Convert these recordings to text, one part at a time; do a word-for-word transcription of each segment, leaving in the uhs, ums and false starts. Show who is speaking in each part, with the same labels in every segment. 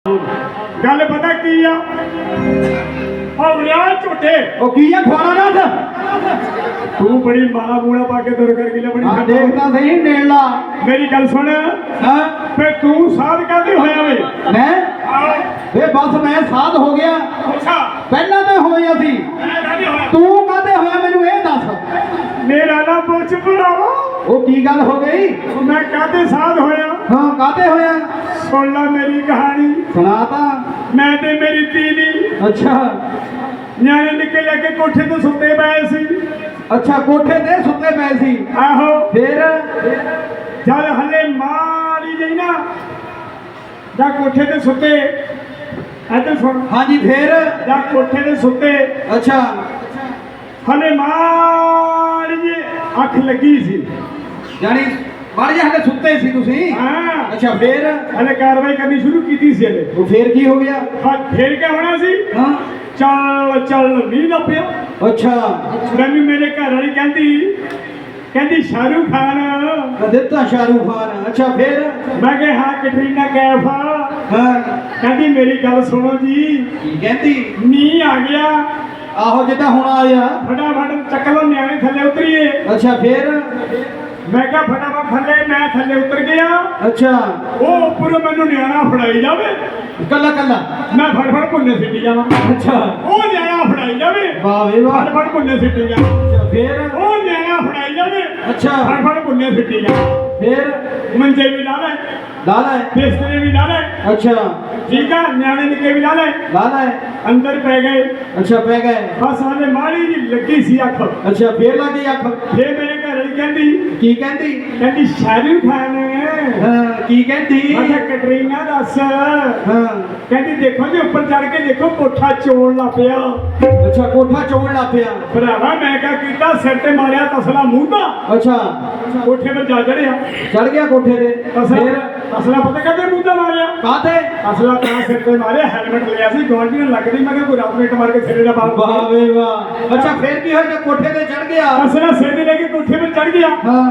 Speaker 1: गल पता की आ झूठे
Speaker 2: ਉਹ ਕੀ ਆ ਖਵਾਣਾ ਨਾ
Speaker 1: तू बड़ी माला मूला पा के तुर कर गिला बड़ी
Speaker 2: ਹਾਂ ਦੇਖਦਾ ਸਹੀ ਨੇੜਲਾ
Speaker 1: मेरी गल सुन
Speaker 2: ਹਾਂ
Speaker 1: फिर तू साध कहते होया वे
Speaker 2: ਮੈਂ ਵੇ ਬਸ ਮੈਂ ਸਾਧ ਹੋ ਗਿਆ
Speaker 1: अच्छा
Speaker 2: ਪਹਿਲਾਂ ਤਾਂ ਹੋਇਆ ਸੀ
Speaker 1: मैं कहते होया
Speaker 2: ਤੂੰ ਕਾਹਦੇ ਹੋਇਆ ਮੈਨੂੰ ਇਹ ਦੱਸ
Speaker 1: मेरा ना पूछ बुलावा
Speaker 2: ਉਹ ਕੀ ਗੱਲ ਹੋ ਗਈ
Speaker 1: मैं कहते साध होया
Speaker 2: ਹਾਂ ਕਾਹਦੇ ਹੋਇਆ
Speaker 1: सुन ला मेरी कहानी
Speaker 2: ਸੁਣਾ ਤਾਂ
Speaker 1: मैं ते मेरी तीनी
Speaker 2: ਅੱਛਾ
Speaker 1: ਨਿਆਣੇ ਨਿੱਕੇ ਲੈ ਕੇ ਕੋਠੇ ਤੋਂ ਸੁੱਤੇ ਪਏ ਸੀ
Speaker 2: ਅੱਛਾ ਕੋਠੇ ਤੇ ਸੁੱਤੇ ਪਏ ਸੀ
Speaker 1: ਆਹੋ
Speaker 2: ਫਿਰ
Speaker 1: ਜਦ ਹਲੇ ਮਾਰੀ ਗਈ ਨਾ ਜਾਂ ਕੋਠੇ ਤੇ ਸੁੱਤੇ ਇੱਧਰ ਸੁਣ
Speaker 2: ਹਾਂਜੀ ਫਿਰ
Speaker 1: ਜਾਂ ਕੋਠੇ ਤੇ ਸੁੱਤੇ
Speaker 2: ਅੱਛਾ
Speaker 1: ਹਲੇ ਮਾਰੀ ਜੀ ਅੱਖ ਲੱਗੀ ਸੀ
Speaker 2: ਜਾਨੀ ਮਾੜੇ ਜਿਹੇ ਹਲੇ ਸੁੱਤੇ ਸੀ ਤੁਸੀਂ
Speaker 1: ਹਾਂ
Speaker 2: ਅੱਛਾ ਫਿਰ
Speaker 1: ਹਲੇ ਕਾਰਵਾਈ ਕਰਨੀ ਸ਼ੁਰੂ ਕੀਤੀ ਸੀ ਹਲੇ
Speaker 2: ਉਹ ਫਿਰ ਕੀ ਹੋ ਗਿਆ
Speaker 1: ਹਾਂ ਫੇਰ ਕੀ ਹੋਣਾ ਸੀ
Speaker 2: ਹਾਂ
Speaker 1: ਚੱਲ ਚੱਲ ਮੀਂਹ ਨਾ ਪਿਆ
Speaker 2: ਅੱਛਾ
Speaker 1: ਮੈਨੂੰ ਮੇਰੇ ਘਰ ਵਾਲੀ ਕਹਿੰਦੀ ਕਹਿੰਦੀ ਸ਼ਾਹਰੁਖ ਖਾਨ
Speaker 2: ਦਿੱਤਾ ਸ਼ਾਹਰੁਖ ਖਾਨ ਅੱਛਾ ਫਿਰ
Speaker 1: ਮੈਂ ਕਿਹਾ ਹਾਂ ਕੈਟਰੀਨਾ ਕੈਫ
Speaker 2: ਹਾਂ
Speaker 1: ਕਹਿੰਦੀ ਮੇਰੀ ਗੱਲ ਸੁਣੋ ਜੀ
Speaker 2: ਕੀ ਕਹਿੰਦੀ
Speaker 1: ਮੀਂਹ ਆ ਗਿਆ
Speaker 2: ਆਹੋ ਜਿੱਦਾਂ ਹੁਣ ਆਇਆ
Speaker 1: ਫਟਾਫਟ ਚੱਕ ਲਓ ਨਿਆਣੇ ਥੱਲੇ ਉਤਰੀਏ
Speaker 2: ਅੱਛਾ ਫਿਰ
Speaker 1: ਮੈਂ ਕਿਹਾ ਫਟਾਫਟ ਥੱਲੇ ਮੈਂ ਥੱਲੇ ਉਤਰ ਗਿਆ
Speaker 2: ਅੱਛਾ
Speaker 1: ਉਹ ਉੱਪਰ ਮੈਨੂੰ ਨਿਆਣਾ ਫੜਾਈ ਜਾਵੇ
Speaker 2: ਕੱਲਾ ਕੱਲਾ
Speaker 1: ਮੈਂ ਫੜ ਫੜ ਭੁੰਨੇ ਸਿੱਟੀ ਜਾਵਾਂ
Speaker 2: ਅੱਛਾ
Speaker 1: ਉਹ ਨਿਆਣਾ ਫੜਾਈ ਜਾਵੇ
Speaker 2: ਵਾਹ ਵੇ ਵਾਹ
Speaker 1: ਫੜ ਫੜ ਭੁੰਨੇ ਸਿੱਟੀ ਜਾਵਾਂ
Speaker 2: ਫਿਰ
Speaker 1: ਉਹ ਨਿਆਣਾ ਫੜਾਈ ਜਾਵੇ
Speaker 2: ਅੱਛਾ
Speaker 1: ਫੜ ਫੜ ਭੁੰਨੇ ਸਿੱਟੀ ਜਾਵਾਂ
Speaker 2: ਫਿਰ
Speaker 1: ਮੰਜੇ ਵੀ ਲਾ ਲੈ
Speaker 2: ਲਾਲਾ
Speaker 1: ਬਿਸਤਰੇ ਵੀ ਲਾ ਲੈ
Speaker 2: ਅੱਛਾ
Speaker 1: ਠੀਕ ਆ ਨਿਆਣੇ ਨਿੱਕੇ ਵੀ ਲਾ ਲੈ
Speaker 2: ਲਾਲਾ
Speaker 1: ਅੰਦਰ ਪੈ ਗਏ
Speaker 2: ਅੱਛਾ ਪੈ ਗਏ
Speaker 1: ਬਸ ਹਾਲੇ ਮਾੜੀ ਜੀ ਲੱਗੀ ਸੀ ਅੱਖ
Speaker 2: ਅੱਛਾ ਫੇਰ ਲੱਗੀ ਅੱਖ
Speaker 1: ਫੇਰ ਮੇਰੇ ਘਰ ਵਾਲੀ ਕਹਿੰਦੀ
Speaker 2: ਕੀ ਕਹਿੰਦੀ
Speaker 1: ਕਹਿੰਦੀ ਸ਼ਾਹਰੁਖ ਖਾਨ
Speaker 2: ਹਾਂ ਕੀ ਕਹਿੰਦੀ
Speaker 1: ਮੈਂ ਕਿਹਾ ਕੈਟਰੀਨਾ ਦੱਸ
Speaker 2: ਹਾਂ
Speaker 1: ਕਹਿੰਦੀ ਦੇਖੋ ਜੀ ਉੱਪਰ ਚੜ ਕੇ ਦੇਖੋ ਕੋਠਾ ਚੋਣ ਲੱਗ ਪਿਆ
Speaker 2: ਅੱਛਾ ਕੋਠਾ ਚੋਣ ਲੱਗ ਪਿਆ
Speaker 1: ਭਰਾਵਾ ਮੈਂ ਕਿਹਾ ਕੀਤਾ ਸਿਰ ਤੇ ਮਾਰਿਆ ਤਸਲਾ ਮੂੰਹ ਦਾ
Speaker 2: ਅੱਛਾ
Speaker 1: ਕੋਠੇ 'ਤੇ ਜਾ ਚੜਿਆ
Speaker 2: ਚੜ ਗਿਆ ਕੋਠੇ ਤੇ
Speaker 1: ਤਸਲਾ
Speaker 2: ਫੇਰ
Speaker 1: ਤਸਲਾ ਪਤਾ ਕਹਿੰਦੇ ਮੂੰਹ ਦਾ ਮਾਰਿਆ
Speaker 2: ਕਾਤੇ
Speaker 1: ਤਸਲਾ ਤਾਂ ਸਿਰ ਤੇ ਮਾਰਿਆ ਹੈਲਮਟ ਲਿਆ ਸੀ ਗਵਾਂਢੀ ਨੂੰ ਲੱਗਦੀ ਮੈਂ ਕਿਹਾ ਕੋਈ ਰਾਤ ਨੂੰ ਮਾਰ ਕੇ ਸਿਰੇ ਦਾ ਬਾਲ
Speaker 2: ਵਾਹ ਵੇ ਵਾਹ ਅੱਛਾ ਫੇਰ ਕੀ ਹੋਇਆ ਕੋਠੇ ਤੇ ਚੜ ਗਿਆ
Speaker 1: ਤਸਲਾ ਸਿਰ ਤੇ ਲੈ ਕੇ ਕੋਠੇ 'ਤੇ ਚੜ ਗਿਆ
Speaker 2: ਹਾਂ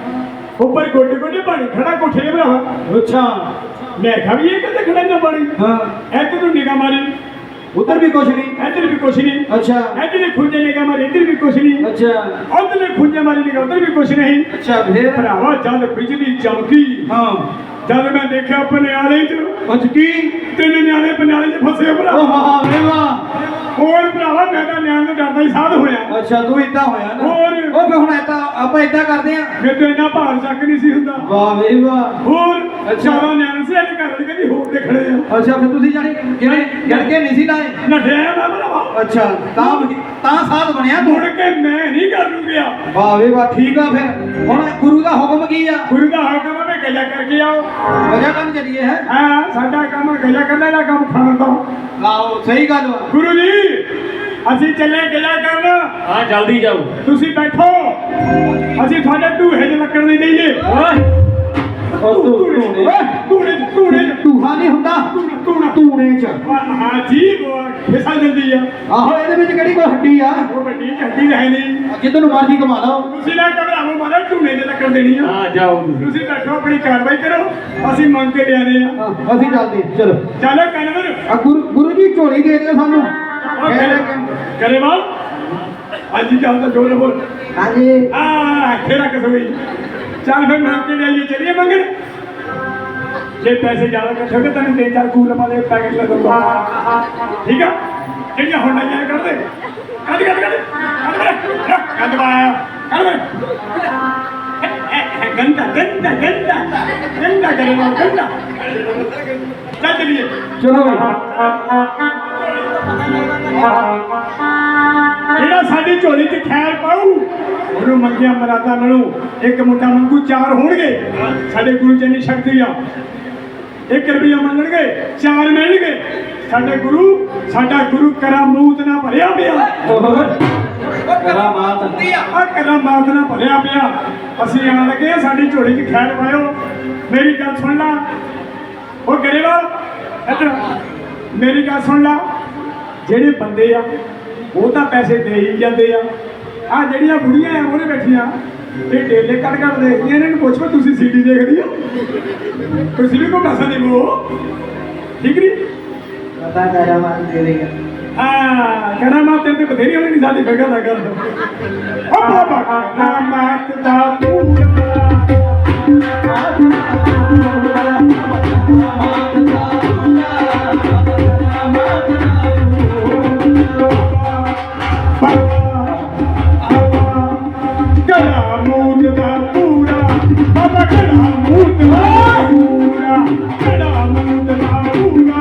Speaker 1: ਉੱਪਰ ਗੋਡੇ ਗੋਡੇ ਪਾਣੀ ਖੜਾ ਕੋਠੇ 'ਤੇ ਭਰਾਵਾ
Speaker 2: ਅੱਛਾ
Speaker 1: ਮੈਂ ਕਿਹਾ ਵੀ ਇਹ ਕਿੱਥੇ ਖੜਾ ਨਾ ਪਾਣੀ
Speaker 2: ਹਾਂ
Speaker 1: ਇੱਧਰ ਨੂੰ ਨਿਗਾਹ ਮਾਰੀ
Speaker 2: ਉਧਰ ਵੀ ਕੁਛ ਨਹੀਂ
Speaker 1: ਇੱਧਰ ਵੀ ਕੁਛ ਨਹੀਂ
Speaker 2: ਅੱਛਾ
Speaker 1: ਇੱਧਰ ਵੀ ਖੁੰਝੇ ਨਿਗਾਹ ਮਾਰੀ ਇੱਧਰ ਵੀ ਕੁਛ ਨਹੀਂ
Speaker 2: ਅੱਛਾ
Speaker 1: ਉੱਧਰ ਵੀ ਖੁੰਝੇ ਮਾਰੀ ਨਿਗਾਹ ਉੱਧਰ ਵੀ ਕੁਛ ਨਹੀਂ
Speaker 2: ਅੱਛਾ ਫੇਰ
Speaker 1: ਭਰਾਵਾ ਜਦ ਬਿਜਲੀ ਚਮਕੀ
Speaker 2: ਹਾਂ
Speaker 1: ਜਦ ਮੈਂ ਦੇਖਿਆ ਪਨਿਆਲੇ 'ਚ
Speaker 2: ਅੱਜ ਕੀ
Speaker 1: ਤਿੰਨ ਨਿਆਣੇ ਪਨਿਆਲੇ 'ਚ ਫਸੇ ਭਰਾ
Speaker 2: ਉਹ ਵਾਹ ਵੇ ਵਾਹ
Speaker 1: ਹੋਰ ਭਰਾਵਾ ਮੈਂ ਤਾਂ ਨਿਆਣੇ ਤੋਂ ਡਰਦਾ ਹੀ ਸਾਧ ਹੋਇਆ
Speaker 2: ਅੱਛਾ ਤੂੰ ਇਦਾਂ ਹੋਇਆ ਨਾ
Speaker 1: ਹੋਰ।
Speaker 2: ਉਹ ਫੇ ਹੁਣ ਏਦਾਂ ਆਪਾਂ ਇਦਾਂ ਕਰਦੇ ਆ
Speaker 1: ਮੇਰੇ ਤੋਂ ਇੰਨਾ ਭਾਰ ਚੱਕ ਨਹੀਂ ਸੀ ਹੁੰਦਾ
Speaker 2: ਵਾਹ ਵੇ ਵਾਹ
Speaker 1: ਹੋਰ
Speaker 2: ਅੱਛਾ।
Speaker 1: ਚਾਰਾਂ ਨਿਆਣੇ ਸੀ ਇਹਦੇ ਘਰ ਵਾਲੀ ਕਹਿੰਦੀ ਹੋਰ ਤੇ ਖੜੇ ਆ
Speaker 2: ਅੱਛਾ ਫਿਰ ਤੁਸੀਂ ਜਾਨੀ ਕਿਵੇਂ ਜੜ ਕੇ ਨਹੀਂ ਸੀ ਲਾਏ
Speaker 1: ਨੱਠਿਆ ਮੈਂ ਭਰਾਵਾ
Speaker 2: ਅੱਛਾ ਤਾਂ ਤਾਂ ਸਾਧ ਬਣਿਆ
Speaker 1: ਮੁੜ
Speaker 2: ਤੂੰ
Speaker 1: ਕੇ ਮੈਂ ਨਹੀਂ ਕਰ ਨੂੰ ਗਿਆ
Speaker 2: ਵਾਹ ਵੇ ਵਾਹ ਠੀਕ ਆ ਫਿਰ ਹੁਣ ਗੁਰੂ ਦਾ ਹੁਕਮ ਕੀ ਆ
Speaker 1: ਗੁਰੂ ਦਾ ਹੁਕਮ ਹੈ ਗੱਲਾਂ ਕਰਕੇ ਆਓ
Speaker 2: ਵਜ੍ਹਾ ਕੰਮ ਚੱਲੀਏ ਹੈ
Speaker 1: ਹਾਂ ਸਾਡਾ ਕੰਮ ਗੱਲਾਂ ਕਰਨ ਦਾ ਕੰਮ ਖਾਣ ਦਾ
Speaker 2: ਆਹੋ ਸਹੀ ਗੱਲ ਵਾ
Speaker 1: ਗੁਰੂ ਜੀ ਅਸੀਂ ਚੱਲੇ ਗੱਲਾਂ ਕਰਨ
Speaker 3: ਹਾਂ ਜਲਦੀ ਜਾਓ
Speaker 1: ਤੁਸੀਂ ਬੈਠੋ ਅਸੀਂ ਤੁਹਾਡੇ ਢੂਹੇ 'ਚ ਲੱਕੜ ਨਹੀਂ ਦੇਈਏ
Speaker 3: ਓਏ
Speaker 2: ਉਹ ਤੂੰ
Speaker 1: ਓਏ ਢੂਹੇ 'ਚ ਢੂਹੇ 'ਚ
Speaker 2: ਟੂਹਾ ਨਹੀਂ ਹੁੰਦਾ
Speaker 1: ਧੂਣਾ
Speaker 2: ਟੂਣੇ ਚ
Speaker 1: ਹਾਂ ਜੀ ਉਹ ਫਿਸਲ ਜਾਂਦੀ ਆ
Speaker 2: ਆਹੋ ਇਹਦੇ ਵਿੱਚ ਕਿਹੜੀ ਕੋਈ ਹੱਡੀ ਆ
Speaker 1: ਉਹ ਵੱਡੀ ਝੱਡੀ ਰਹੇ ਨਹੀਂ
Speaker 2: ਜਿੱਦ ਨੂੰ ਮਰਜ਼ੀ ਕਮਾ ਲਓ
Speaker 1: ਤੁਸੀਂ ਨਾ ਘਬਰਾਵੋ ਮਾਰਾ ਢੂਹੇ 'ਚ ਲੱਕੜ ਦੇਣੀ ਆ
Speaker 3: ਹਾਂ ਜਾਓ ਤੁਸੀਂ
Speaker 1: ਤੁਸੀਂ ਬੈਠੋ ਆਪਣੀ ਕਾਰਵਾਈ ਕਰੋ ਅਸੀਂ ਮੰਗ ਕੇ ਲਿਆਣੇ ਆ
Speaker 2: ਹਾਂ, ਅਸੀਂ ਚੱਲਦੇ ਚਲੋ
Speaker 1: ਚਲੋ ਕਨਵਰ
Speaker 2: ਆ ਗੁਰੂ ਗੁਰੂ ਜੀ ਝੋਲੀ ਦੇ ਦਿਓ ਸਾਨੂੰ
Speaker 1: ਕਰੇ ਮਾਲ ਅੱਜ ਚੱਲ ਤਾਂ ਜੋਰ ਬੋਲ
Speaker 2: ਹਾਂਜੀ
Speaker 1: ਆ ਖੇੜਾ ਕਸੋਈ ਚੱਲ ਫਿਰ ਮੰਗ ਕੇ ਲਿਆਈਏ ਚਲੀਏ ਮੰਗਣ ਜੇ ਪੈਸੇ ਜ਼ਿਆਦਾ ਇਕੱਠੇ ਹੋ ਗਏ ਤੈਨੂੰ ਤਿੰਨ ਚਾਰ ਕੂਲ ਵਾਲੇ ਪੈਕੇਟ ਲੱਗੂਗਾ ਠੀਕ ਆ ਜਿਹੜੀਆਂ ਹੁਣ ਨਹੀਂ ਕਰਦੇ ਕੱਢ ਕੱਢ ਕੱਢ ਕੱਢ ਵਾਇਆ ਕੱਢ ਗੰਦਾ ਗੰਦਾ ਗੰਦਾ ਗੰਦਾ ਕਰੇ ਮਾਲ ਗੰਦਾ ਚੱਲ ਚਲੀਏ
Speaker 2: ਚਲੋ
Speaker 1: ਜਿਹੜਾ ਸਾਡੀ ਝੋਲੀ 'ਚ ਖੈਰ ਪਾਊ ਉਹਨੂੰ ਮੰਗਿਆ ਮਰਾਦਾ ਮਿਲੂ ਇੱਕ ਮੁੰਡਾ ਮੰਗੂ ਚਾਰ ਹੋਣਗੇ ਸਾਡੇ ਗੁਰੂ ਜੀ ਦੀ ਸ਼ਕਤੀ ਆ ਇੱਕ ਰੁਪਈਆ ਮੰਗਣਗੇ ਚਾਰ ਮਿਲਣਗੇ ਸਾਡੇ ਗੁਰੂ ਸਾਡਾ ਗੁਰੂ ਕਰਾਮੂਤ ਨਾਲ ਭਰਿਆ ਪਿਆ
Speaker 2: ਕਰਾਮਾਤ
Speaker 1: ਆ ਕਰਾਮਾਤ ਨਾਲ ਭਰਿਆ ਪਿਆ ਅਸੀਂ ਆਣ ਲੱਗੇ ਸਾਡੀ ਝੋਲੀ 'ਚ ਖੈਰ ਪਾਇਓ ਮੇਰੀ ਗੱਲ ਸੁਣ ਲਾ ਉਹ ਗਰੀਬਾ ਇੱਧਰ ਮੇਰੀ ਗੱਲ ਸੁਣ ਲਾ ਜਿਹੜੇ ਬੰਦੇ ਆ ਉਹ ਤਾਂ ਪੈਸੇ ਦੇ ਹੀ ਜਾਂਦੇ ਆ ਆ ਜਿਹੜੀਆਂ ਬੁੜੀਆਂ ਆ ਉਹਨੇ ਬੈਠੀਆਂ ਇਹ ਡੇਲੇ ਕੱਢ ਕੱਢ ਦੇਖਦੀਆਂ ਇਹਨਾਂ ਨੂੰ ਪੁੱਛੋ ਤੁਸੀਂ ਸੀਡੀ ਦੇਖਦੀ ਹੋ ਤੁਸੀਂ ਵੀ ਕੋਈ ਪੈਸਾ ਦੇਵੋ ਠੀਕ ਨਹੀਂ
Speaker 2: ਪਤਾ ਕਰਾ ਮਾਰ ਦੇ ਰਹੀ ਹੈ
Speaker 1: ਹਾਂ ਕੜਾ ਮਾਤ ਤੇ ਬਥੇਰੀ ਹੋਣੀ ਨਹੀਂ ਸਾਡੀ ਫਿਕਰ ਨਾ ਕਰ ਓ ਬਾਬਾ ਕੜਾ ਮਾਤ ਦਾ ਪੂਰਾ ਕੜਾ ਮੂਤ ਦਾ ਪੂਰਾ ਬਾਬਾ ਕੜਾ ਮੂਤ ਦਾ ਪੂਰਾ ਕੜਾ ਮੂਤ ਦਾ ਪੂਰਾ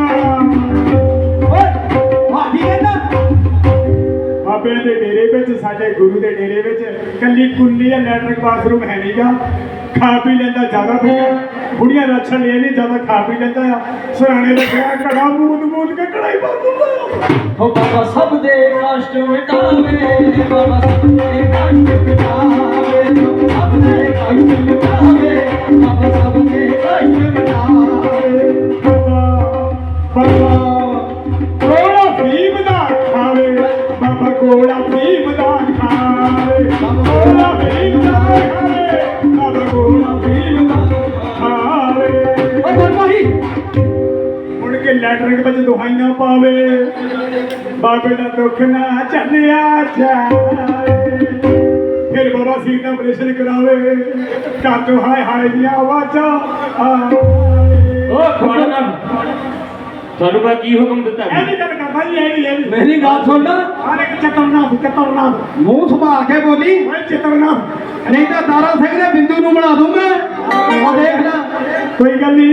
Speaker 2: ਭਾਜੀ ਕਹਿੰਦਾ
Speaker 1: ਬਾਬੇ ਦੇ ਡੇਰੇ ਵਿੱਚ ਸਾਡੇ ਗੁਰੂ ਦੇ ਡੇਰੇ ਵਿੱਚ ਕੱਲੀ ਕੁੰਨੀ ਜਾਂ ਲੈਟਰਿਕ ਬਾਥਰੂਮ ਹੈ ਨਹੀਂਗਾ ਖਾ ਪੀ ਲੈਂਦਾ ਜ਼ਿਆਦਾ ਪੀਆ ਬੁੜੀਆਂ ਰਾਛਣ ਲੈ ਨਹੀਂ ਜ਼ਿਆਦਾ ਖਾ ਪੀ ਲੈਂਦਾ ਆ ਸਰਾਣੇ ਰੱਖਿਆ ਘੜਾ ਮੂਦ ਮੂਦ ਕੇ ਕੜਾਈ ਭਰ ਦਿੰਦਾ
Speaker 2: ਹੋ ਬਾਬਾ ਸਭ ਦੇ ਕਸ਼ਟ ਮਿਟਾਵੇ ਬਾਬਾ ਸਭ ਦੇ ਕਸ਼ਟ ਮਿਟਾਵੇ ਸਭ ਦੇ ਕਸ਼ਟ ਮਿਟਾਵੇ ਬਾਬਾ ਸਭ ਦੇ ਕਸ਼ਟ ਮਿਟਾਵੇ
Speaker 1: ਬਾਬਾ ਕੋਲਾ ਫੀਮ ਦਾ ਖਾਵੇ ਬਾਬਾ ਕੋਲਾ ਫੀਮ ਦਾ ਖਾਵੇ ਕੋਲਾ ਫੀਮ ਦਾ ਖਾਵੇ ਬਾਬਾ ਕੋਲਾ ਫੀਮ ਦਾ ਖਾਵੇ
Speaker 2: ਓ ਗੁਰਮੋਹੀ
Speaker 1: ਮੁੜ ਕੇ ਲੈਟਰਿੰਗ ਵਿੱਚ ਦੁਹਾਈਆਂ ਪਾਵੇ ਬਾਬੇ ਦਾ ਦੁੱਖ ਨਾ ਚੱਲਿਆ ਜਾਵੇ ਫਿਰ ਬਾਬਾ ਸਿੰਘ ਦਾ ਆਪਰੇਸ਼ਨ ਕਰਾਵੇ ਘਰ ਤੋਂ ਹਾਏ ਹਾਏ ਦੀਆਂ ਆਵਾਜ਼ਾਂ ਆਵੇ
Speaker 3: ਓ ਖਵਾਣਾ ਤੁਹਾਨੂੰ ਮੈਂ ਕੀ ਹੁਕਮ ਦਿੱਤਾ
Speaker 1: ਇਹ ਨਹੀਂ ਗੱਲ ਕਰਦਾ ਜੀ ਇਹ ਨਹੀਂ ਇਹ ਨਹੀਂ
Speaker 2: ਮੇਰੀ ਗੱਲ ਸੁਣ ਲੈ
Speaker 1: ਹਰ ਇੱਕ ਚਤਰਨਾਥ ਚਤਰਨਾਥ
Speaker 2: ਮੂੰਹ ਸੰਭਾਲ ਕੇ ਬੋਲੀ
Speaker 1: ਓਏ ਚਤਰਨਾਥ
Speaker 2: ਨਹੀਂ ਤਾਂ ਦਾਰਾ ਸਿੰਘ ਦੇ ਬਿੰਦੂ ਨੂੰ ਬਣਾ ਦੂੰ ਮੈਂ ਉਹ ਦੇਖ ਲੈ
Speaker 1: ਕੋਈ ਗੱਲ ਨਹੀਂ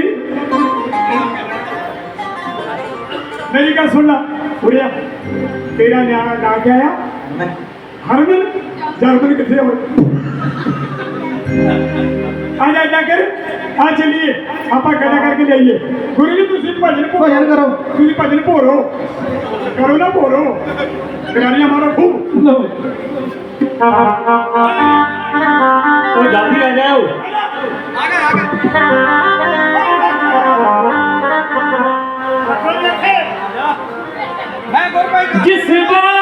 Speaker 1: ਮੇਰੀ ਗੱਲ ਸੁਣ ਲੈ ਉੜਿਆ ਤੇਰਾ ਨਾਂ ਨਾਂ ਕੀ ਆਇਆ ਹਰਮਨ ਜਰਮਨ ਕਿੱਥੇ ਹੋਏ ਆ ਜਾ ਜਾ ਕਰ ਆ ਚਲੀਏ ਆਪਾਂ ਗੱਲਾਂ ਕਰਕੇ ਜਾਈਏ ਗੁਰੂ ਜੀ ਤੁਸੀਂ ਭਜਨ ਭੋ-
Speaker 2: ਭਜਨ ਕਰੋ
Speaker 1: ਤੁਸੀਂ ਭਜਨ ਭੋਰੋ ਕਰੋ ਨਾ ਭੋਰੋ ਗਾਲੀਆਂ ਮਾਰੋ ਖੂਬ
Speaker 2: ਲਓ
Speaker 3: ਉਹ ਜਲਦੀ ਆ ਜਾਓ
Speaker 2: ਮੈਂ ਗੁਰਬਾਈ
Speaker 3: ਜਿਸ ਦਾ